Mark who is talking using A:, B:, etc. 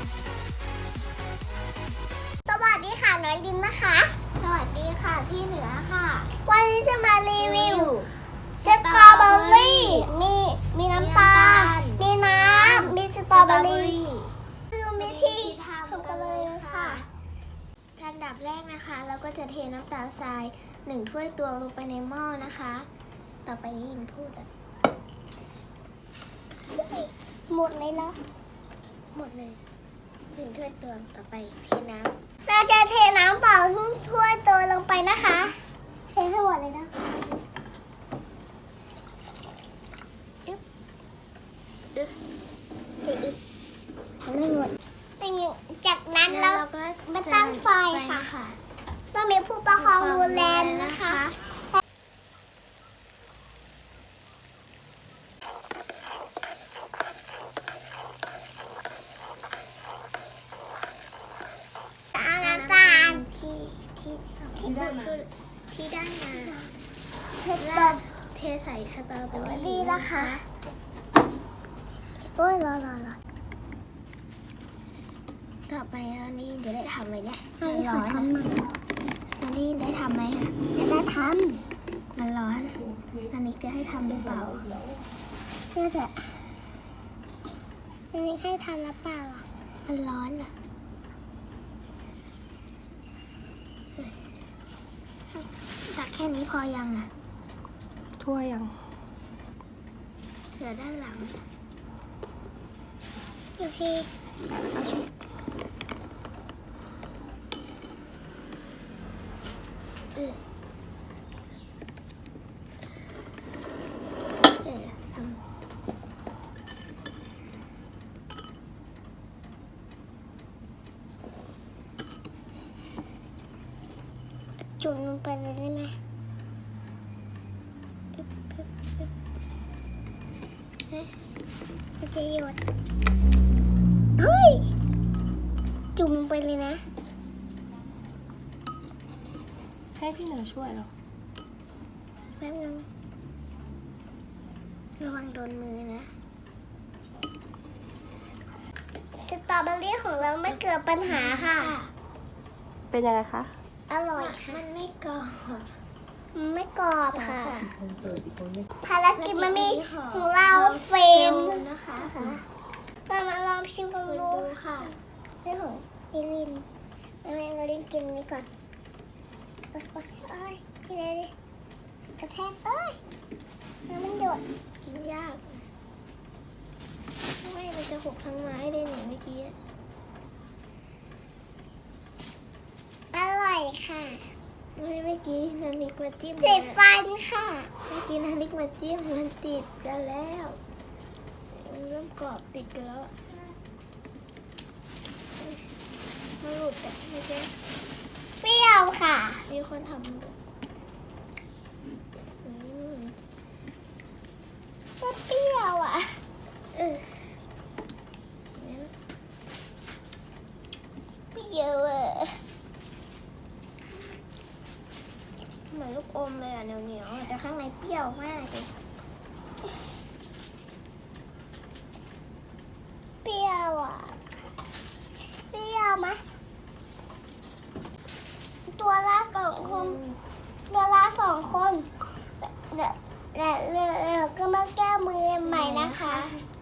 A: สวัสดีค่ะน้อยลินนะคะ
B: สวัสดีค่ะพี่เหนือค่ะ
A: วันนี้จะมารีวิวสตรอเบอรี่มีน้ำตาล มีน้ำ มีสตรอเบอรี่ดูวิธีทำกันเลยค่ะ
B: อันดับแรกนะคะ เราก็จะเทน้ำตาลทราย1 ถ้วยตวงลงไปในหม้อนะคะ ต่อไปนี้ยินพูดอ่ะ
A: หมดเลยเหรอ
B: หมดเลย1 ถ้วยตวงต่อไปเทน้ำ
A: เราจะเทน้ำเปล่าทุกถ้วยตัวลงไปนะคะเทให้หมดเลยนะอึ๊บเทอีกไม่หมดจากนั้นเรา
B: ก็
A: มาตั้งไฟค่ะ ต้องมีผู้ประคองดูแลนะคะเอาน้ำตาล
B: ที่ได้มาเทใส่สตรอเบอ
A: ดี
B: รี่
A: แล้วค่ะโอ้ยรอ
B: ต่อไปอันนี้จะได้ทำไหมเนี่ย
A: ไม่ขอทำหน่อย
B: อันนี้ได้ทำไหมคะ
A: ไม่ได้ท
B: มันร้อน อันนี้จะให้ทำหรือเปล่า
A: ำน่าจะอันนี้ให้ทำแล้วเปล่าอ่ะ
B: มันร้อนอ่ะตักแค่นี้พอยังอ่ะ
C: ทั่วยัง
B: เหลือด้านหลัง
A: โอเค
C: แล้วก็ชุบ
B: เออทำ
A: จุ่มลงไปเลยได้ไหมมันจะหยดเฮ้ย จุ่มลงไปเลยนะ
C: ให้พี่เหนือช่วยเหรอ
A: แป๊บนึง
B: ระวังโดนมือนะ
A: สตรอเบอรี่ของเราไม่เกิดปัญหาค่ะ
C: เป็นยังไงคะ
A: อร่อยค่ะ
B: มันไม่กรอบ
A: มันไม่กรอบค่ะ
B: ค่ะ
A: ภารกิจมันมีของเราเฟรม
B: นะคะ
A: เรามาลองชิมกัน
B: คุณ
A: ดู
B: ดูค่ะ
A: เรื่องของลิลินเราลินกินนี้ก่อนโอ้ยพี่เลยกระแทกเอ้ยน้ำมันหยด
B: กินยากไม่มันจะหกทั้งไม้เลยเนี่ยเมื่อกี้
A: อร่อยค่ะ
B: ไม่เมื่อกี้นานิกมาจิ้ม
A: ติดฟันค่ะ
B: เมื่อกี้นานิกมาจิ้มมันติดกันแล้วมันเริ่มกรอบติดกันแล้วอะมันหลุดแต่ไม่ใช่
A: เปรี้ยวค่ะ
B: มีคนทำด้วยอืม
A: ก็เปรี้ยวอ่ะ
B: เออเนี่ยนะ
A: เปรี้ยวอ่ะ
B: เหมือนลูกอมเลยอ่ะเหนียวๆแต่ข้างในเปรี้ยวมากเลย
A: เปรี้ยวอ่ะเปรี้ยวไหมตัวละ2 คนตัวละ2 คนเดี๋ยวก็มาแก้มือใหม่นะคะ